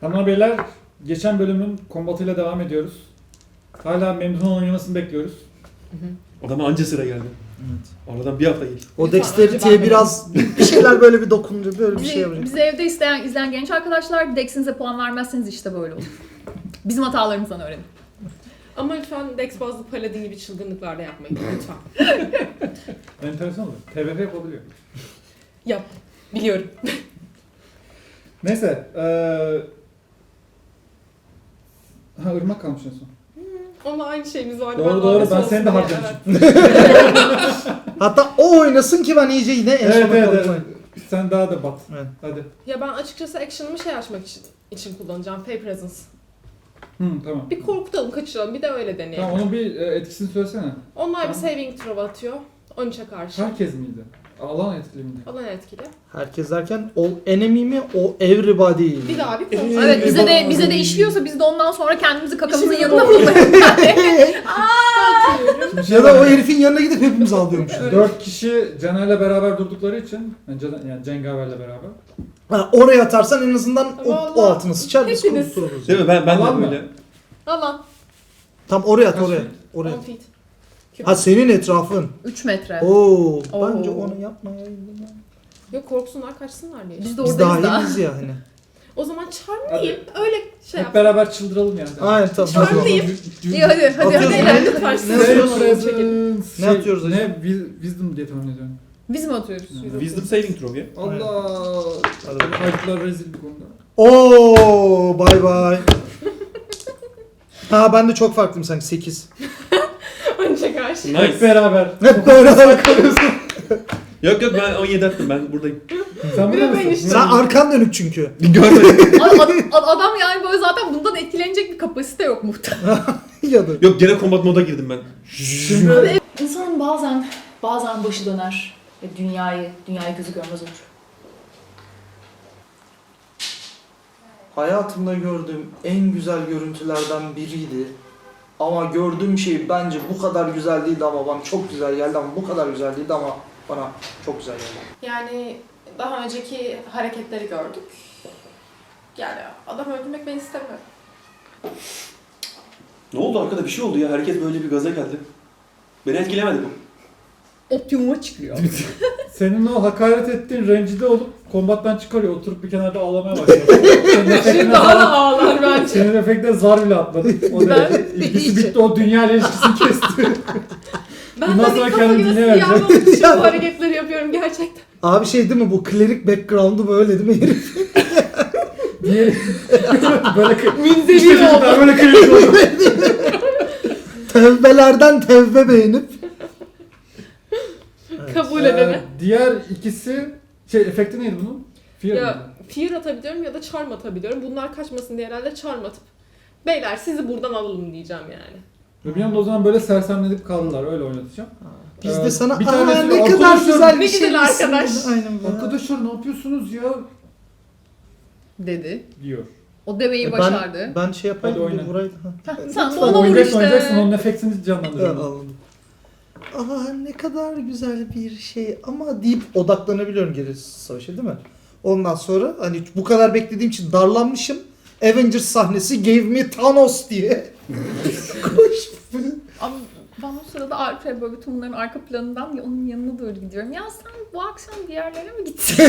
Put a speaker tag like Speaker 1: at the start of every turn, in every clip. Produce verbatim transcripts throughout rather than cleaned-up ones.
Speaker 1: Hanımlar beyler, geçen bölümün kombatıyla devam ediyoruz. Hala memnun oynamasını bekliyoruz.
Speaker 2: Adama anca sıra geldi.
Speaker 3: Evet.
Speaker 2: Aradan bir hafta geçti.
Speaker 3: O
Speaker 4: Lütfen,
Speaker 3: dexterity'ye
Speaker 4: önce ben
Speaker 3: biraz bir şeyler böyle bir dokununca böyle bir
Speaker 4: Bizi,
Speaker 3: şey yapacak.
Speaker 4: bizi evde isteyen, izleyen genç arkadaşlar Dex'inize puan vermezseniz işte böyle olur. Bizim hatalarımızdan öğrenin.
Speaker 5: Ama lütfen Dex bazlı paladin gibi çılgınlıklar da yapmayın lütfen.
Speaker 1: Enteresan olur. T V F yapabiliyor.
Speaker 5: Yap. Biliyorum.
Speaker 1: Neyse. Ee... Ha ırmak kalmış en son.
Speaker 5: Onunla aynı şeyimiz vardı.
Speaker 1: Doğru doğru,
Speaker 5: abisi
Speaker 1: ben
Speaker 5: olsun
Speaker 1: seni de
Speaker 5: diye,
Speaker 1: harcamışım.
Speaker 3: Hatta o oynasın ki ben iyice yine en
Speaker 1: Evet
Speaker 3: sona
Speaker 1: evet,
Speaker 3: kalayım.
Speaker 1: evet. Sen daha da bat.
Speaker 3: Evet.
Speaker 1: Hadi.
Speaker 5: Ya ben açıkçası action'ımı şey açmak için, için kullanacağım. Fey Presence.
Speaker 1: Hı, tamam.
Speaker 5: Bir korkutalım, kaçıralım. Bir de öyle deneyelim.
Speaker 1: Tamam, onun bir e, etkisini söylesene.
Speaker 5: Onlar bir
Speaker 1: Tamam.
Speaker 5: saving throw atıyor. on üçe karşı.
Speaker 1: Herkes miydi? Alan etkili miydi?
Speaker 5: Alan etkili.
Speaker 3: Herkes derken all enemy mi o everybody?
Speaker 5: Bir daha bir kontrol.
Speaker 4: Evet, bize de bize de işliyorsa biz de ondan sonra kendimizi kakamızın yanına bulmayalım.
Speaker 1: Şimdi şey
Speaker 3: Ya da o
Speaker 1: var,
Speaker 3: herifin yanına gidip hepimiz ağlıyormuşuz.
Speaker 1: dört kişi Caner'le beraber durdukları için, yani, Caner, yani Cengaver'le beraber.
Speaker 3: Ha, oraya atarsan en azından o, o
Speaker 5: Vallahi
Speaker 3: altına sıçar biz
Speaker 5: hepiniz.
Speaker 3: kurtuluruz.
Speaker 2: Değil mi? Ben, ben
Speaker 1: Alan
Speaker 2: de
Speaker 1: mı?
Speaker 2: böyle.
Speaker 5: Alan.
Speaker 3: Tam oraya at
Speaker 1: Kaç
Speaker 3: oraya.
Speaker 1: feet?
Speaker 3: Oraya.
Speaker 5: on feet. Küp.
Speaker 3: Ha senin etrafın.
Speaker 4: üç metre.
Speaker 3: Oo,
Speaker 4: Oo.
Speaker 3: bence onu yapmayayım.
Speaker 5: Yok korksunlar, kaçsınlar diye.
Speaker 4: Biz de
Speaker 3: Biz
Speaker 4: oradayız da.
Speaker 3: dahiliz ya hani.
Speaker 5: O zaman charmlayayım. Öyle şey
Speaker 1: Hep
Speaker 5: yap.
Speaker 1: beraber çıldıralım yani.
Speaker 3: Aynen tamam.
Speaker 5: Charmlayayım.
Speaker 4: İyi hadi hadi
Speaker 3: Atıyoruz.
Speaker 4: hadi.
Speaker 3: Ne-
Speaker 4: hadi.
Speaker 5: Lütfen
Speaker 3: ne
Speaker 5: siz
Speaker 3: atıyoruz?
Speaker 5: çekin.
Speaker 3: Ne atıyoruz hocam?
Speaker 1: Ne? Wi- Wisdom diye tahmin ediyorum.
Speaker 4: Biz mi atıyoruz?
Speaker 2: Wisdom saving throw ya.
Speaker 1: Allah!
Speaker 3: Hadi.
Speaker 1: Kayıtlar rezil bir konuda.
Speaker 3: Oo, bay bay. Ha ben de çok farklıyım sanki sekiz.
Speaker 5: on üçe karşı.
Speaker 1: Hep
Speaker 2: Nice.
Speaker 1: beraber.
Speaker 3: Hep böyle kalıyorsun.
Speaker 2: Yok yok ben on yedi attım, ben buradayım.
Speaker 1: Sen
Speaker 5: Bir
Speaker 1: burada
Speaker 5: de ben
Speaker 1: mısın?
Speaker 5: işte-
Speaker 3: Sen arkan dönük çünkü.
Speaker 2: Görmedim.
Speaker 4: Ad- ad- ad- adam yani böyle zaten bundan etkilenecek bir kapasite yok muhtemelen.
Speaker 3: Ya da.
Speaker 2: Yok gene combat moda girdim ben.
Speaker 1: Şimdi
Speaker 4: İnsanın bazen bazen başı döner ve dünyayı dünyayı gözü görmez olur.
Speaker 3: Hayatımda gördüğüm en güzel görüntülerden biriydi. Ama gördüğüm şey bence bu kadar güzel değildi ama bana çok güzel geldi ama bu kadar güzel değildi ama bana çok güzel geldi.
Speaker 5: Yani daha önceki hareketleri gördük. Yani adam öldürmek ben istemiyorum.
Speaker 2: Ne oldu arkada, bir şey oldu ya, herkes böyle bir gaza geldi. Beni etkilemedi bu.
Speaker 4: Optimuma çıkıyor.
Speaker 1: senin o hakaret ettiğin rencide olup kombattan çıkarıyor. Oturup bir kenarda ağlamaya başlıyor. Senin efektine
Speaker 5: Şimdi daha da
Speaker 1: zar,
Speaker 5: ağlar bence.
Speaker 1: senin efektine zar bile atmadı. O
Speaker 5: Ben-
Speaker 1: derece ilgisi bitti. O dünya ile ilişkisini kesti.
Speaker 5: Ben
Speaker 1: Bundan
Speaker 5: de
Speaker 1: sonra
Speaker 5: bir
Speaker 1: kendini
Speaker 5: kafayı
Speaker 1: dinle
Speaker 5: nasıl
Speaker 1: verecek.
Speaker 5: yağlamak için bu hareketleri yapıyorum gerçekten.
Speaker 3: Abi şey değil mi bu klerik background'u böyle değil mi herif?
Speaker 1: Diye böyle kı-
Speaker 5: Münzevi
Speaker 1: İşte çocuklar
Speaker 5: oldu.
Speaker 1: böyle kırıyor oldu.
Speaker 3: Tevbelerden tevbe beğenip.
Speaker 5: Kabul
Speaker 1: Ee,
Speaker 5: edene.
Speaker 1: diğer ikisi şey efekti neydi bunun? Fear
Speaker 5: Ya
Speaker 1: mıydı?
Speaker 5: fear atabiliyorum ya da charm atabiliyorum. Bunlar kaçmasın diye herhalde charm atıp beyler sizi buradan alalım diyeceğim yani.
Speaker 1: Ve bir anda o zaman böyle sersemlenip kaldılar. Öyle oynatacağım.
Speaker 3: Biz
Speaker 1: Ee,
Speaker 3: de sana
Speaker 1: bir
Speaker 3: aa
Speaker 1: tanesi
Speaker 3: ne kadar
Speaker 1: arkadaşlar-
Speaker 3: güzel
Speaker 5: Ne
Speaker 3: bir şey
Speaker 5: güzel
Speaker 3: misin?"
Speaker 5: arkadaş.
Speaker 3: Aynen böyle.
Speaker 1: Arkadaşlar ne yapıyorsunuz ya?
Speaker 4: Dedi.
Speaker 1: Diyor.
Speaker 4: O demeyi
Speaker 3: E,
Speaker 4: başardı.
Speaker 3: Ben, ben şey yapayım
Speaker 1: Hadi
Speaker 3: bir
Speaker 1: oyna.
Speaker 3: burayı. Ha.
Speaker 4: Heh, sen de
Speaker 3: Lütfen
Speaker 4: ona vur
Speaker 1: Oynayacaksın oynayacaksın
Speaker 4: işte.
Speaker 1: onun efektini
Speaker 3: Evet,
Speaker 1: canlandırıyorum.
Speaker 3: anladım. Aa ne kadar güzel bir şey ama deyip odaklanabiliyorum geri savaşa değil mi? Ondan sonra hani bu kadar beklediğim için darlanmışım. Avengers sahnesi gave me Thanos diye. Koş.
Speaker 4: Ama ben o sırada Alp'e böyle bütün bunların arka planından ya onun yanına doğru gidiyorum. Ya sen bu akşam bir yerlere mi gittin?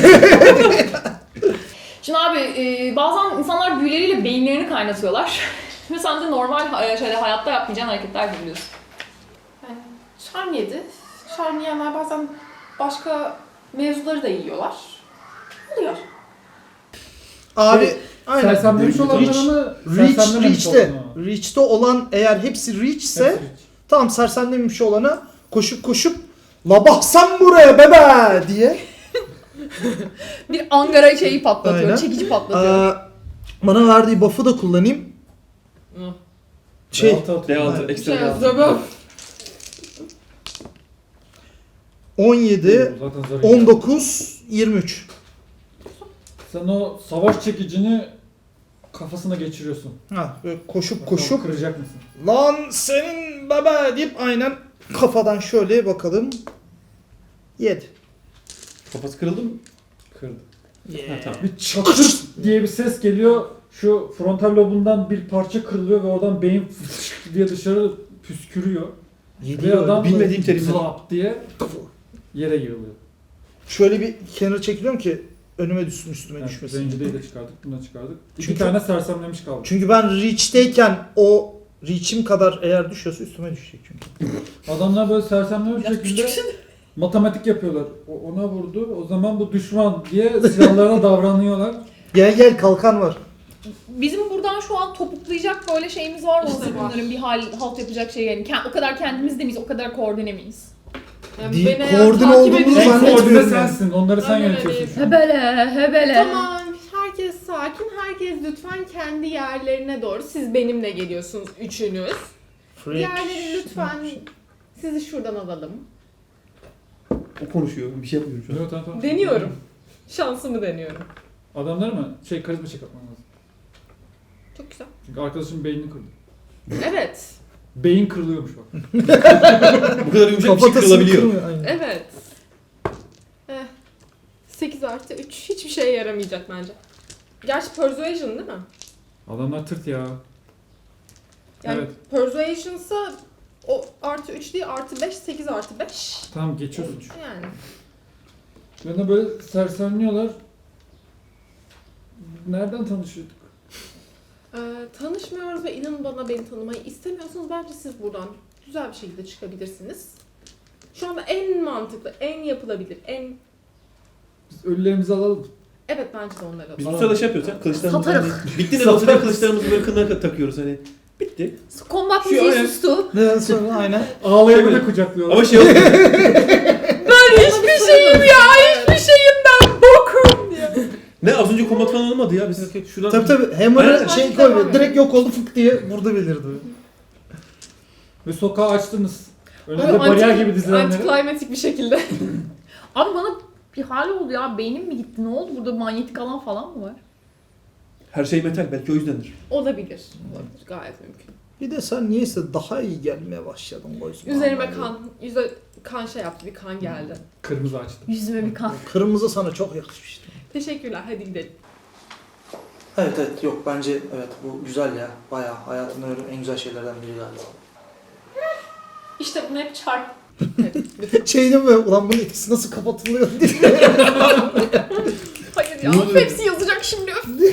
Speaker 4: Şimdi abi e, bazen insanlar büyüleriyle beyinlerini kaynatıyorlar. Ve sen de normal e, şöyle hayatta yapmayacağın hareketler yapıyorsun.
Speaker 5: Yani charm yedi. Charm yiyenler bazen başka mevzuları da yiyorlar. Oluyor.
Speaker 3: Abi
Speaker 1: Şey,
Speaker 3: aynen.
Speaker 1: Sersemlemiş
Speaker 2: Reach-
Speaker 1: olanları mı?
Speaker 3: Reach,
Speaker 1: sersemlememiş
Speaker 3: Reach'te.
Speaker 1: olanı mı?
Speaker 3: Reach'te olan eğer hepsi Reach ise
Speaker 1: Hepsi Reach.
Speaker 3: tamam sersemlemiş olana koşup koşup la baksan buraya bebe diye.
Speaker 4: Bir Angara şeyi patlatıyor,
Speaker 3: Aynen.
Speaker 4: çekici patlatıyor.
Speaker 3: Aa, bana verdiği buff'ı da kullanayım.
Speaker 5: Hı.
Speaker 3: Şey
Speaker 1: D altı atıyor.
Speaker 2: D altı
Speaker 3: Evet.
Speaker 2: ekstra
Speaker 5: Şey
Speaker 2: D altı.
Speaker 5: yazıyor.
Speaker 3: on yedi,
Speaker 1: Oo, zaten zarı
Speaker 3: on dokuz, yirmi üç.
Speaker 1: Sen o savaş çekicini kafasına geçiriyorsun.
Speaker 3: Ha, böyle koşup
Speaker 1: Bakalım
Speaker 3: koşup
Speaker 1: kıracak mısın?
Speaker 3: lan senin bebe deyip aynen kafadan şöyle bakalım. yedi.
Speaker 2: Kafası kırıldı mı?
Speaker 1: Kırdı.
Speaker 2: Ha tamam.
Speaker 1: Bir çatır diye bir ses geliyor. Şu frontal lobundan bir parça kırılıyor ve oradan beyin diye dışarı püskürüyor. Ve
Speaker 3: Yediyor.
Speaker 1: adam
Speaker 2: bilmediğim terimler.
Speaker 1: zlap diye yere yığılıyor.
Speaker 3: Şöyle bir kenara çekiliyorum ki önüme düşsün, üstüme
Speaker 1: Yani
Speaker 3: düşmesin.
Speaker 1: Rencide'yi de çıkardık, bunu da çıkardık. İki
Speaker 3: Çünkü-
Speaker 1: tane sersemlemiş kaldı.
Speaker 3: Çünkü ben reach'teyken o reach'im kadar eğer düşüyorsa üstüme düşecek çünkü.
Speaker 1: Adamlar böyle sersemlemiş
Speaker 4: Biraz
Speaker 1: şekilde
Speaker 4: küçüksün.
Speaker 1: matematik yapıyorlar. O, ona vurdu, o zaman bu düşman diye silahlarına davranıyorlar.
Speaker 3: Gel gel kalkan var.
Speaker 4: Bizim buradan şu an topuklayacak böyle şeyimiz var mı?
Speaker 5: İşte
Speaker 4: Hazır
Speaker 5: var.
Speaker 4: bunların bir hal halt yapacak şey yani. Kend- O kadar kendimiz de miyiz? O kadar koordine miyiz?
Speaker 5: Yani
Speaker 3: Değil,
Speaker 5: beni eğer
Speaker 3: koordine
Speaker 5: takip
Speaker 3: olduğumuzu
Speaker 5: ediyorsanız-
Speaker 1: En
Speaker 3: zannetmiyorum
Speaker 1: koordine
Speaker 3: yani.
Speaker 1: sensin, onları sen
Speaker 5: Ben
Speaker 1: yönetiyorsun
Speaker 5: öyleyim.
Speaker 1: şu an.
Speaker 4: Hebele, hebele.
Speaker 6: Tamam, herkes sakin. Herkes lütfen kendi yerlerine doğru. Siz benimle geliyorsunuz üçünüz.
Speaker 3: Freak.
Speaker 6: Diğerleri lütfen sizi şuradan alalım.
Speaker 2: O konuşuyor. Bir şey yapmıyorum şu an.
Speaker 1: Yok, tamam, tamam.
Speaker 6: Deniyorum. Şansımı deniyorum.
Speaker 1: Adamları mı? Şey, karizma check yapman lazım.
Speaker 6: Çok güzel.
Speaker 1: Çünkü arkadaşın beynini kırdı.
Speaker 6: Evet.
Speaker 1: Beyin kırılıyormuş bak.
Speaker 2: Bu kadar yumuşak bir şey
Speaker 3: Kafatasını
Speaker 2: kırılabiliyor.
Speaker 3: kırmıyor, aynen.
Speaker 6: Evet. Eh. sekiz artı üç hiçbir şeye yaramayacak bence. Gerçi persuasion değil mi?
Speaker 1: Adamlar tırt ya.
Speaker 6: Yani
Speaker 1: Evet.
Speaker 6: persuasion'sa o artı üç değil artı beş, sekiz artı beş.
Speaker 1: Tamam, geçiyorsun.
Speaker 6: Yani.
Speaker 1: Bana böyle sersemliyorlar. Nereden tanışıyorduk?
Speaker 6: Ee, tanışmıyoruz ve inanın bana beni tanımayı istemiyorsanız bence siz buradan güzel bir şekilde çıkabilirsiniz. Şu anda en mantıklı, en yapılabilir, en...
Speaker 1: Biz ölülerimizi alalım.
Speaker 6: Evet bence de onları
Speaker 2: Biz
Speaker 6: alalım.
Speaker 2: bu sırada şey yapıyoruz ya. Kılıçlarımızı
Speaker 4: Satarız.
Speaker 2: hani, bitti ne olsa diye kılıçlarımızı böyle kınına takıyoruz hani. Bitti.
Speaker 4: Kombat
Speaker 2: Şu
Speaker 4: müziği
Speaker 2: an-
Speaker 4: sustu.
Speaker 3: Ne sonra aynen.
Speaker 1: Ağlayanı
Speaker 2: Şey
Speaker 1: da kucaklıyorlar.
Speaker 2: Ama şey olmuyor.
Speaker 6: Hiçbir şeyim ya, hiçbir şeyim ben bokum diye.
Speaker 2: Ne az önce kombat falan olmadı ya. Biz şuradan...
Speaker 3: Tabii tabii hammer'ı
Speaker 2: Aynen.
Speaker 3: şey
Speaker 6: Devam
Speaker 3: koyuyor.
Speaker 6: et.
Speaker 3: Direkt yok oldu fık diye burada belirdi.
Speaker 1: Ve sokağı açtınız. Önünde
Speaker 6: Böyle
Speaker 1: bariyer
Speaker 6: anti-
Speaker 1: gibi dizilenleri.
Speaker 6: Antiklimatik bir şekilde.
Speaker 4: Abi bana bir hal oldu ya. Beynim mi gitti? Ne oldu? Burada manyetik alan falan mı var?
Speaker 2: Her şey metal. Belki o yüzdendir.
Speaker 6: Olabilir. Olabilir. Gayet mümkün.
Speaker 3: Bir de sen niyeyse daha iyi gelmeye başladın boysun.
Speaker 6: Üzerime kan, yüze kan şey yaptı, bir kan geldi.
Speaker 1: Kırmızı açtı.
Speaker 4: Yüzüme bir kan.
Speaker 3: Kırmızı sana çok yakışmıştı.
Speaker 6: Teşekkürler, hadi gidelim.
Speaker 3: Evet evet yok bence evet bu güzel ya. Bayağı hayatımda gördüğüm en güzel şeylerden biri galiba.
Speaker 5: İşte bunu hep çarp.
Speaker 3: Şey değil mi? Ulan bunun ikisi nasıl kapatılıyor diye.
Speaker 4: Hayır ya.
Speaker 2: Ne oluyor?
Speaker 4: Hepsi yazacak şimdi.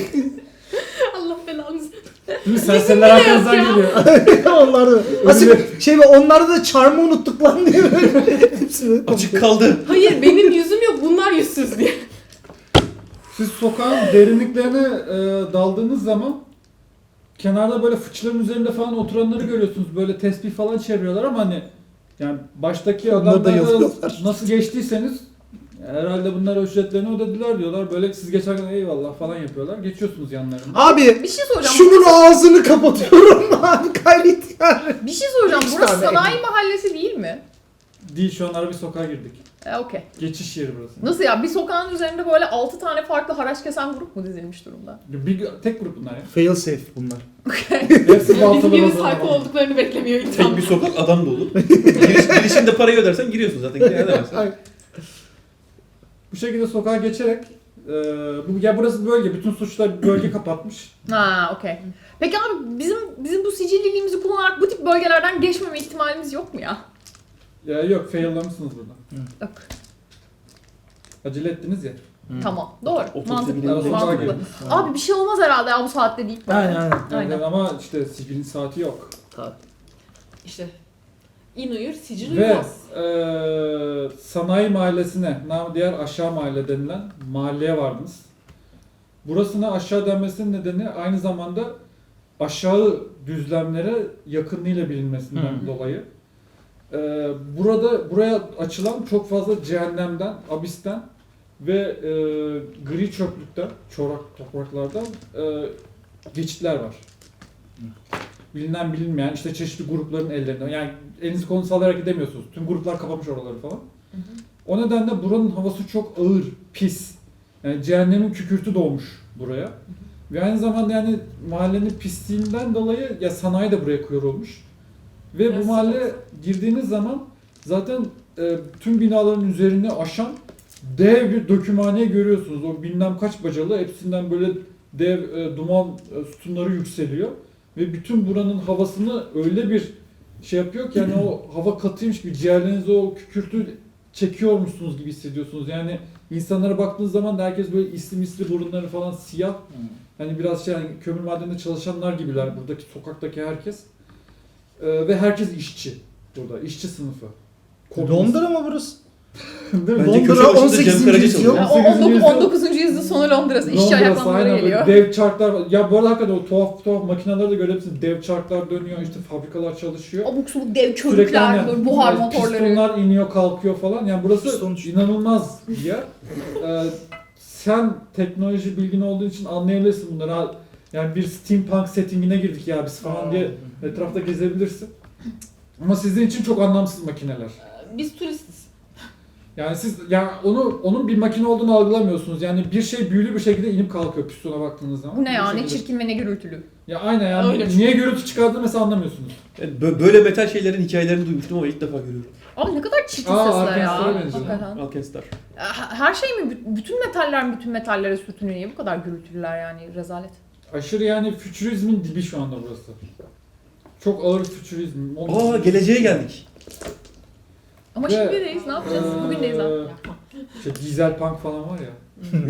Speaker 6: Allah belanızı.
Speaker 1: Değil mi? Serseriler arkanızdan
Speaker 6: ya.
Speaker 1: geliyor.
Speaker 3: onlar da. Aslında şey mi onlarda da charm'ı unuttuk lan diye böyle. Hepsi böyle
Speaker 2: Açık kaldı.
Speaker 6: Hayır, benim yüzüm yok, bunlar yüzsüz diye.
Speaker 1: Siz sokağın derinliklerine e, daldığınız zaman kenarda böyle fıçıların üzerinde falan oturanları görüyorsunuz. Böyle tesbih falan çeviriyorlar ama hani yani baştaki
Speaker 3: Onları da
Speaker 1: adamlarla
Speaker 3: yazıyorlar.
Speaker 1: nasıl geçtiyseniz herhalde bunlara ücretlerini ödediler diyorlar. Böyle siz geçerken eyvallah falan yapıyorlar. Geçiyorsunuz yanlarına.
Speaker 3: Abi
Speaker 4: Bir şey soracağım.
Speaker 3: şunun ağzını kapatıyorum abi gayret yani.
Speaker 4: Bir şey soracağım.
Speaker 3: Üç
Speaker 4: Burası
Speaker 3: tane.
Speaker 4: sanayi mahallesi değil mi?
Speaker 1: Değil, şu an ara bir sokağa girdik.
Speaker 4: E okey.
Speaker 1: Geçiş yeri burası.
Speaker 4: Nasıl ya? Bir sokağın üzerinde böyle altı tane farklı haraç kesen grup mu dizilmiş durumda?
Speaker 1: Bir, tek grup bunlar ya.
Speaker 3: Fail safe bunlar.
Speaker 1: Hepsi
Speaker 6: Bizim
Speaker 1: baltalı
Speaker 6: gibi
Speaker 1: bazı.
Speaker 6: sayfa olduklarını beklemiyor insan.
Speaker 2: Tek bir sokak adam dolu. Giriş, girişinde parayı ödersen giriyorsun zaten. Gidemezsin.
Speaker 3: Ay.
Speaker 1: Bu şekilde sokağa geçerek e, bu ya burası bölge, bütün suçlar bölge kapatmış.
Speaker 4: Ha okey. Peki abi bizim bizim bu sicilliliğimizi kullanarak bu tip bölgelerden geçmeme ihtimalimiz yok mu ya?
Speaker 1: Ya yok, faillamışsınız burada.
Speaker 4: Yok.
Speaker 1: Acele ettiniz ya.
Speaker 4: Tamam. Doğru.
Speaker 2: Otobüse
Speaker 4: Mantıklı.
Speaker 2: binelim.
Speaker 4: Mantıklı.
Speaker 1: Gidelim.
Speaker 4: Abi bir şey olmaz herhalde ya bu saatte deyip.
Speaker 3: Aynen aynen.
Speaker 4: Aynen.
Speaker 1: Yani ama işte sicilin saati yok.
Speaker 3: Tabii.
Speaker 6: İşte in uyur, sicil
Speaker 1: Ve
Speaker 6: uyumaz.
Speaker 1: e, sanayi mahallesine, namı diğer aşağı mahalle denilen mahalleye vardınız. Burasına aşağı denmesinin nedeni aynı zamanda aşağı düzlemlere yakınlığıyla bilinmesinden
Speaker 3: Hı.
Speaker 1: dolayı. E, burada buraya açılan çok fazla cehennemden, abisten ve e, gri çöplükten, çorak topraklardan e, geçitler var. Bilinen bilinmeyen işte çeşitli grupların ellerinde. Yani elinizi kolunuzu sallayarak gidemiyorsunuz. Tüm gruplar kapamış oraları falan. O nedenle buranın havası çok ağır, pis. Yani cehennemin kükürtü doğmuş buraya. Ve aynı zamanda yani mahallenin pisliğinden dolayı ya sanayi de buraya koyulmuş. Ve
Speaker 6: Biraz
Speaker 1: bu mahalle
Speaker 6: sıcak.
Speaker 1: girdiğiniz zaman zaten e, tüm binaların üzerini aşan dev bir dökümhane görüyorsunuz. O bilmem kaç bacalı, hepsinden böyle dev e, duman e, sütunları yükseliyor ve bütün buranın havasını öyle bir şey yapıyor ki yani o hava katıymış gibi ciğerlerinize o kükürtü çekiyormuşsunuz gibi hissediyorsunuz. Yani insanlara baktığınız zaman da herkes böyle isli misli burunları falan siyah. Hani biraz şey yani kömür madeninde çalışanlar gibiler buradaki sokaktaki herkes. Ee, ve herkes işçi burada. İşçi sınıfı. Komünist.
Speaker 3: Londra mı burası?
Speaker 1: Değil mi?
Speaker 2: Bence köşe
Speaker 3: Londra
Speaker 2: başında
Speaker 3: on sekizinci
Speaker 2: Cem Karaca
Speaker 3: yüzyıl.
Speaker 4: Ya,
Speaker 2: çalıyor.
Speaker 4: o on dokuz- on dokuzuncu yüzyıl sonu Londra'sı. İşçi
Speaker 1: Londra'sı,
Speaker 4: ayaklanmaları
Speaker 1: aynen böyle
Speaker 4: geliyor.
Speaker 1: dev çarklar var. Ya bu arada hakikaten o tuhaf tuhaf makineleri de görebilirsiniz. Dev çarklar dönüyor, işte fabrikalar çalışıyor.
Speaker 4: Abuk subuk dev
Speaker 1: Sürekli
Speaker 4: körükler,
Speaker 1: aynen,
Speaker 4: böyle buhar
Speaker 1: yani
Speaker 4: motorları.
Speaker 1: pistonlar iniyor kalkıyor falan. Yani burası
Speaker 3: Piston uçuyor.
Speaker 1: inanılmaz bir yer. Ee, sen teknoloji bilgin olduğu için anlayabilirsin bunları. Ha, yani bir steampunk settingine girdik ya biz falan diye etrafta gezebilirsin. Ama sizin için çok anlamsız makineler.
Speaker 5: Biz turistiz.
Speaker 1: Yani siz yani onu onun bir makine olduğunu algılamıyorsunuz. Yani bir şey büyülü bir şekilde inip kalkıyor pistona baktığınız zaman.
Speaker 4: Bu ne ya,
Speaker 1: Bir
Speaker 4: ne
Speaker 1: şekilde.
Speaker 4: çirkin ve ne gürültülü.
Speaker 1: Ya aynen yani
Speaker 5: Öyle
Speaker 1: niye gürültü çıkardığını mesela anlamıyorsunuz.
Speaker 2: Yani bö- böyle metal şeylerin hikayelerini duymuştum ama ilk defa görüyorum.
Speaker 4: Abi ne kadar çirkin
Speaker 1: Aa,
Speaker 4: sesler ya.
Speaker 1: Arkansas'a benziyor.
Speaker 4: Hakikaten.
Speaker 2: Alkenstar.
Speaker 4: Her şey mi? Bü- Bütün metaller mi bütün metallere sürtünüyor? Niye bu kadar gürültülüler yani? Rezalet.
Speaker 1: Aşırı yani fütürizmin dibi şu anda burası. Çok ağır fütürizm.
Speaker 2: Aa geleceğe geldik.
Speaker 4: Ama
Speaker 1: Ve,
Speaker 4: şimdideyiz. Ne yapacağız? Bugündeyiz abi.
Speaker 1: Eee, İşte dizel punk falan var ya.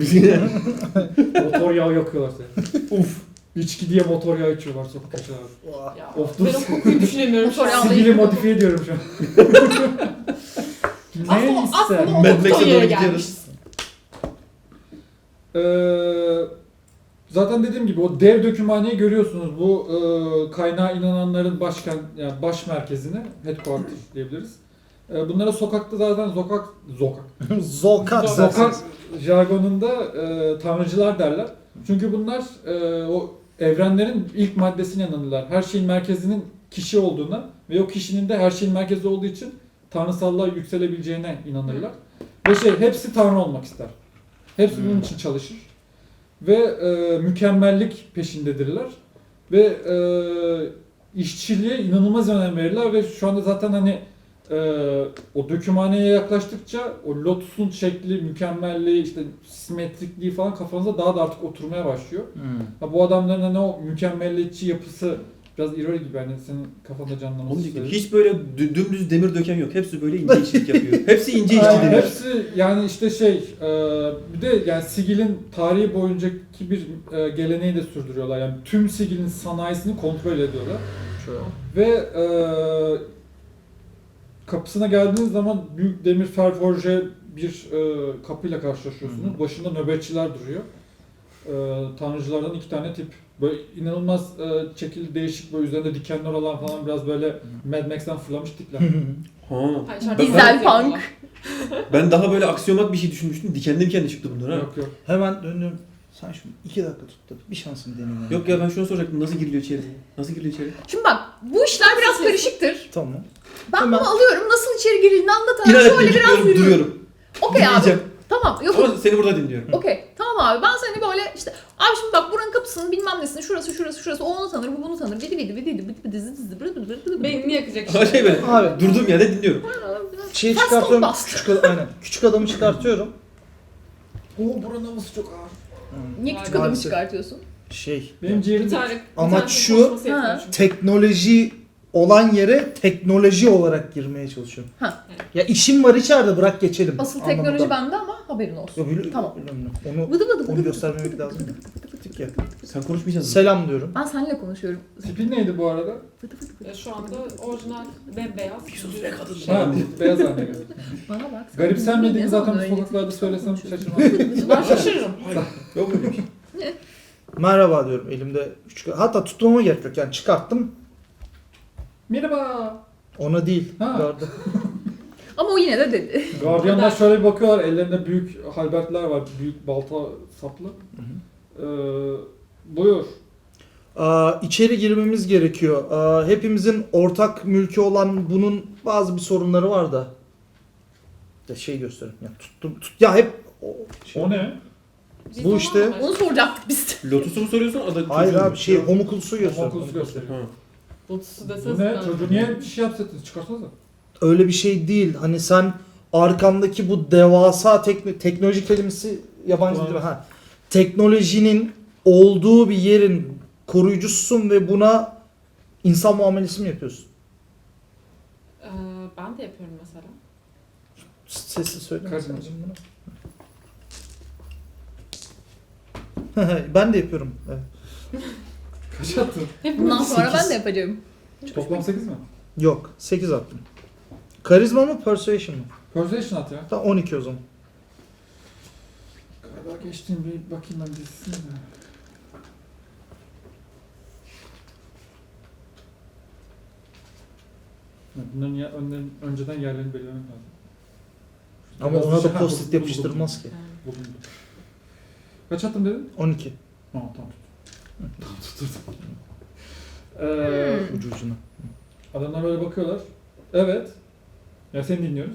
Speaker 1: Motor yağı yakıyorlar seni. Uf. İçki diye motor yağı içiyorlar sokak köşelerde.
Speaker 5: Ya,
Speaker 1: Of dur.
Speaker 5: ben o kokuyu düşünemiyorum şu
Speaker 4: Motor
Speaker 5: an.
Speaker 4: yağı-
Speaker 1: Sibili modifiye ediyorum şu an.
Speaker 5: Aslında,
Speaker 1: Neyse.
Speaker 5: aslında o
Speaker 2: Mad Max'e
Speaker 5: nokta
Speaker 2: doğru
Speaker 5: yere
Speaker 2: gidiyoruz.
Speaker 5: gelmişiz.
Speaker 1: Eee, zaten dediğim gibi o dev dökümhaneyi görüyorsunuz. Bu eee kaynağa inananların başkent yani baş merkezini headquarter diyebiliriz. Eee, bunlara sokakta zaten zokak zokak
Speaker 3: Zolkat.
Speaker 1: Sokak jargonunda e, tanrıcılar derler. Çünkü bunlar e, o evrenlerin ilk maddesine inanırlar. Her şeyin merkezinin kişi olduğuna ve o kişinin de her şeyin merkezi olduğu için tanrısallığa yükselebileceğine inanırlar. Ve şey hepsi tanrı olmak ister. Hepsi bunun için çalışır. Ve e, mükemmellik peşindedirler. Ve e, işçiliğe inanılmaz önem verirler ve şu anda zaten hani Ee, o dökümhaneye yaklaştıkça o lotusun şekli, mükemmelliği, işte simetrikliği falan kafanıza daha da artık oturmaya başlıyor.
Speaker 3: Hmm.
Speaker 1: Ha, bu adamların hani o mükemmelliyetçi yapısı biraz ironi gibi hani senin kafanda canlanması.
Speaker 2: Onu diyecektim. Hiç böyle dü- dümdüz demir döken yok. Hepsi böyle ince işçilik yapıyor. Hepsi ince işçi
Speaker 1: Aynen,
Speaker 2: demir.
Speaker 1: hepsi yani işte şey e, bir de yani Sigil'in tarihi boyuncaki bir e, geleneği de sürdürüyorlar. Yani tüm Sigil'in sanayisini kontrol ediyorlar. Ve e, kapısına geldiğiniz zaman büyük demir ferforje bir e, kapıyla karşılaşıyorsunuz.
Speaker 3: Hı.
Speaker 1: Başında nöbetçiler duruyor. E, tanrıcılardan iki tane tip. Böyle inanılmaz e, şekilli değişik böyle üzerinde dikenler olan falan biraz böyle Mad Max'ten fırlamış tipler.
Speaker 2: Ha.
Speaker 5: Ha, içeride
Speaker 2: Ben-
Speaker 4: Dizel
Speaker 5: ben-
Speaker 4: punk.
Speaker 2: Ben daha böyle aksiyomat bir şey düşünmüştüm. Dikenli dikenli çıktı bunlar ha.
Speaker 1: yok yok.
Speaker 3: Hemen döndüm. Sen şunu iki dakika tut da bir şansını deneyim.
Speaker 2: Yok ya ben şunu soracaktım. Nasıl giriliyor içeri? Nasıl giriliyor içeri?
Speaker 4: Şimdi bak bu işler biraz karışıktır.
Speaker 3: Tamam.
Speaker 4: Ben
Speaker 3: Hemen.
Speaker 4: bunu alıyorum. Nasıl içeri girildiğini anlatalım.
Speaker 2: İnat
Speaker 4: Şöyle
Speaker 2: ettim
Speaker 4: biraz
Speaker 2: gidiyorum
Speaker 4: yürüyorum.
Speaker 2: duruyorum.
Speaker 4: Okey abi.
Speaker 2: Dinleyeceğim.
Speaker 4: Tamam. Yok.
Speaker 2: Ama seni burada dinliyorum.
Speaker 4: Okey. Tamam abi. Ben seni böyle işte abi şimdi bak buranın kapısının bilmem nesini şurası şurası şurası o onu tanır bu bunu tanır. Bidi bidi bidi bidi bidi dizi dizi bidi bidi bidi.
Speaker 5: Beynini yakacak
Speaker 2: Ama
Speaker 5: işte.
Speaker 2: şey böyle
Speaker 3: Abi.
Speaker 2: durduğum yerde dinliyorum.
Speaker 3: Şeyi
Speaker 4: Ters
Speaker 3: çıkartıyorum.
Speaker 4: kompas.
Speaker 3: Küçük, ad- aynen. Küçük adamı çıkartıyorum.
Speaker 1: Oo buranın havası çok ağır.
Speaker 4: Niye küçük adamı
Speaker 3: Maalesef.
Speaker 4: çıkartıyorsun?
Speaker 3: Şey.
Speaker 1: Benim
Speaker 5: Bir
Speaker 1: ciğerim
Speaker 5: tane, bir
Speaker 3: Amaç
Speaker 5: tane
Speaker 3: şu-
Speaker 5: konuşması yetmiyor
Speaker 4: Ha.
Speaker 5: çünkü.
Speaker 3: Teknoloji olan yere teknoloji olarak girmeye çalışıyorum.
Speaker 4: Ha.
Speaker 3: Ya işim var içeride bırak geçelim.
Speaker 4: Asıl
Speaker 3: anlamında.
Speaker 4: teknoloji bende ama haberin olsun.
Speaker 3: Ya bili-
Speaker 4: Tamam.
Speaker 3: biliyorum ben. Onu,
Speaker 4: Vıdı vıdı vıdı
Speaker 3: onu
Speaker 4: vıdı
Speaker 3: göstermemek
Speaker 4: vıdı
Speaker 3: lazım.
Speaker 4: vıdı vıdı vıdı
Speaker 3: Tık ya.
Speaker 2: Sen konuşmayacaksın.
Speaker 3: Selam diyorum.
Speaker 4: Ben seninle konuşuyorum.
Speaker 1: tipin neydi bu arada?
Speaker 4: Vıdı vıdı vıdı.
Speaker 5: Ya şu anda orijinal bembeyaz.
Speaker 2: Bir sus be kadın.
Speaker 5: Şey.
Speaker 1: Ha, beyaz haline geldi.
Speaker 4: Bana bak. sen
Speaker 1: Garipsenmediğimi
Speaker 4: ne
Speaker 1: zaten
Speaker 4: zaman
Speaker 1: bu
Speaker 4: öyle
Speaker 1: sokaklarda söylesem
Speaker 4: konuşuyorsun?
Speaker 1: şaşırmam.
Speaker 5: Ben şaşırırım.
Speaker 2: Yok öyle bir şey.
Speaker 3: Merhaba diyorum elimde küçük. Hatta tutmama gerek yok yani çıkarttım.
Speaker 1: Merhaba.
Speaker 3: Ona değil.
Speaker 1: Ha.
Speaker 3: Gardı.
Speaker 4: Ama o yine de dedi.
Speaker 1: Gardiyanlar şöyle bir bakıyorlar, ellerinde büyük halbertler var, büyük balta saplı. Ee, buyur.
Speaker 3: Aa, içeri girmemiz gerekiyor. Aa, hepimizin ortak mülkü olan bunun bazı bir sorunları var da. Ya şey göstereyim. Ya tuttum. Tut, ya hep o, şey-
Speaker 1: O ne?
Speaker 5: Biz
Speaker 3: Bu
Speaker 5: onu
Speaker 3: işte-
Speaker 5: anlamayız.
Speaker 4: Onu soracaktık biz.
Speaker 2: Lotus'u mu soruyorsun? Ada
Speaker 3: Hayır
Speaker 2: çocuğu mu?
Speaker 3: abi şey homunculusu göster.
Speaker 1: Homunculus gösteriyor.
Speaker 2: Ha.
Speaker 5: Lotus'u
Speaker 1: Bu
Speaker 5: deseniz
Speaker 1: ne?
Speaker 5: ben-
Speaker 1: Çocuğu niye bir şey yapsaydınız? Çıkarsanıza.
Speaker 3: Öyle bir şey değil. Hani sen arkandaki bu devasa tekno- teknoloji kelimesi yabancı değil mi? Ha. Teknolojinin olduğu bir yerin koruyucususun ve buna insan muamelesi mi yapıyorsun?
Speaker 6: Ee, ben de yapıyorum mesela.
Speaker 3: Sessiz söyle.
Speaker 1: Karizmacı.
Speaker 3: Ben de yapıyorum. Evet.
Speaker 1: Kaç attın?
Speaker 4: Bundan sonra ben
Speaker 3: Sekiz.
Speaker 4: de yapacağım.
Speaker 1: Toplam sekiz mi?
Speaker 3: Yok. sekiz attım. Karizma mı? Persuasion mı?
Speaker 1: Persuasion at ya.
Speaker 3: Tamam on iki o zaman.
Speaker 1: Galiba geçtiğim bir bakayım ben dizisine de. Ya Bunların ya, önden, önceden yerlerini belirlemek lazım.
Speaker 3: Ama
Speaker 1: Biraz
Speaker 3: ona
Speaker 1: bir şey-
Speaker 3: da
Speaker 1: Ha,
Speaker 3: post-it
Speaker 1: buldum,
Speaker 3: yapıştırılmaz ki.
Speaker 1: buldum, buldum. Kaç attın dedin?
Speaker 3: on iki.
Speaker 1: Tamam tamam tut. Tamam tutturdum. Ee,
Speaker 4: Hmm.
Speaker 3: Ucu ucuna.
Speaker 1: adamlar böyle bakıyorlar. Evet. Ya seni dinliyoruz.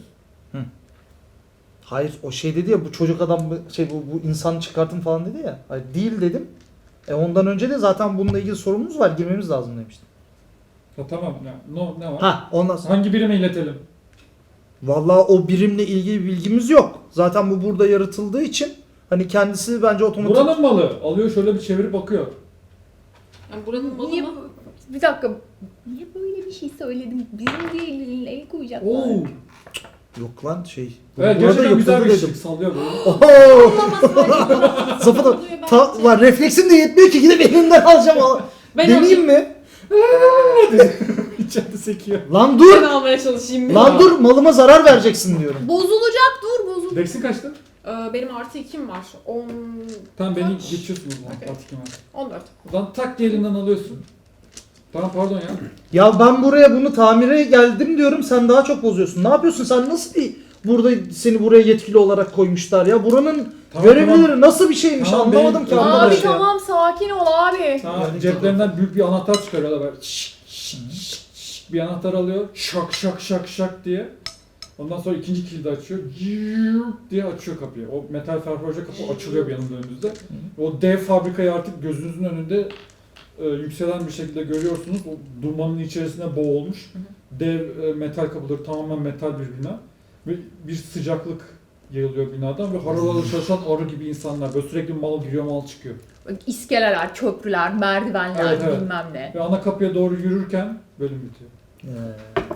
Speaker 3: Hayır o şey dedi ya bu çocuk adam şey bu, bu insan çıkartın falan dedi ya. Hayır değil dedim. E ondan önce de zaten bununla ilgili sorunumuz var girmemiz lazım demiştim.
Speaker 1: Ya tamam ya. No, ne var?
Speaker 3: Ha ondan sonra.
Speaker 1: Hangi birime iletelim?
Speaker 3: Vallahi o birimle ilgili bir bilgimiz yok. Zaten bu burada yaratıldığı için hani kendisi bence otomatik.
Speaker 1: Buranın malı. Alıyor şöyle bir çevirip bakıyor.
Speaker 6: Yani buranın malı
Speaker 4: Niye
Speaker 6: mı?
Speaker 4: bu- Bir dakika. Niye böyle bir şey söyledim? Bizim diye el koyacaklar.
Speaker 1: Oo.
Speaker 3: Yok lan şey.
Speaker 1: Evet
Speaker 3: burada
Speaker 1: gerçekten güzel bir
Speaker 3: yapıldı
Speaker 1: şey. Sallıyor böyle.
Speaker 3: Oho!
Speaker 6: Zıpıda.
Speaker 3: Zıpıda. Ta, lan refleksim de yetmiyor ki gidip elinden alacağım. Al-
Speaker 6: Ben
Speaker 3: Deneyeyim mi?
Speaker 1: İçeride sekiyor.
Speaker 3: Lan
Speaker 6: Ben
Speaker 3: dur!
Speaker 6: almaya çalışayım.
Speaker 3: Lan dur malıma zarar vereceksin diyorum.
Speaker 4: Bozulacak dur bozul.
Speaker 1: Dex'in kaçtı?
Speaker 6: Ee, benim artı ikim var. on...
Speaker 1: Tamam beni
Speaker 6: Kaç?
Speaker 1: geçiyorsun o zaman.
Speaker 6: Okey.
Speaker 1: Artık hemen.
Speaker 6: on dört.
Speaker 1: O zaman tak diye elinden alıyorsun. Tamam pardon ya.
Speaker 3: Ya ben buraya bunu tamire geldim diyorum sen daha çok bozuyorsun. Ne yapıyorsun sen nasıl bir burada seni buraya yetkili olarak koymuşlar ya? Buranın
Speaker 1: Tamam,
Speaker 3: görevlileri
Speaker 1: tamam.
Speaker 3: nasıl bir şeymiş
Speaker 1: Tamam,
Speaker 3: anlamadım
Speaker 1: benim-
Speaker 3: ki
Speaker 1: Abi,
Speaker 3: arkadaş
Speaker 4: Abi
Speaker 3: ya.
Speaker 4: tamam sakin ol abi.
Speaker 1: Tamam
Speaker 3: Yani-
Speaker 1: ceplerinden büyük bir anahtar çıkarıyorlar böyle. Şşş, şşş, şşş, şşş. Bir anahtar alıyor. Şak şak şak şak diye. Ondan sonra ikinci kilidi açıyor. Cırt diye açıyor kapıyı. O metal ferforje kapı açılıyor bir yanında önünüzde. O dev fabrikayı artık gözünüzün önünde e, yükselen bir şekilde görüyorsunuz. O dumanın içerisine boğulmuş. Dev e, metal kapıları tamamen metal bir bina. Ve bir sıcaklık yayılıyor binadan ve harıl harıl çalışan arı gibi insanlar. Böyle sürekli mal giriyor mal çıkıyor.
Speaker 4: İskeleler, köprüler, merdivenler
Speaker 1: Evet, evet.
Speaker 4: bilmem ne.
Speaker 1: Ve ana kapıya doğru yürürken bölüm bitiyor.
Speaker 3: Ee,